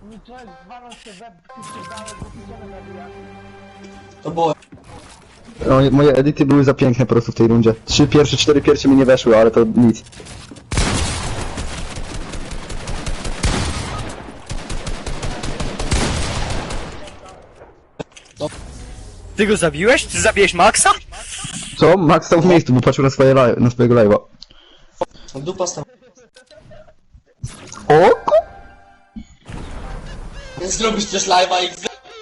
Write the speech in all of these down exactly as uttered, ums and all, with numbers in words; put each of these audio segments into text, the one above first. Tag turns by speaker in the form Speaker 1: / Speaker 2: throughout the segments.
Speaker 1: Mi człowiek zwalał się web, ty się dałeś, bo ty się nabija.
Speaker 2: To było...
Speaker 3: No, moje edyty były za piękne po prostu w tej rundzie. Trzy pierwsze, cztery pierwsze mi nie weszły, ale to nic.
Speaker 4: Ty go zabiłeś? Ty zabiłeś Maxa?
Speaker 3: Co? Max stał w miejscu, bo patrzył na, swoje live, na swojego live'a.
Speaker 2: Dupa stała.
Speaker 3: O ku...
Speaker 2: Zrobisz też live'a i...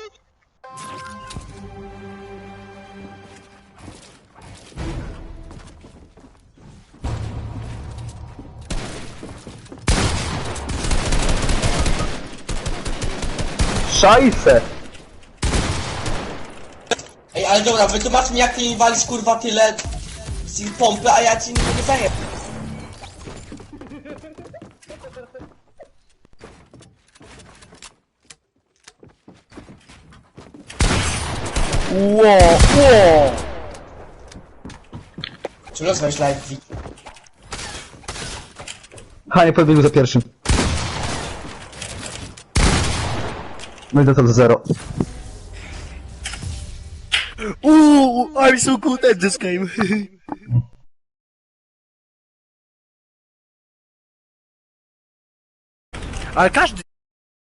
Speaker 3: Szajse!
Speaker 2: Ej, ale dobra, wytłumacz mi jak ty mi walisz kurwa tyle... z pompy, a ja ci nie mogę zajebać.
Speaker 4: Ło, ło!
Speaker 2: Czy rozmawiasz live?
Speaker 3: Hanie podbiegł za pierwszym. No i dostał za zero.
Speaker 4: Ooh, I'm so good at this game. Ale każdy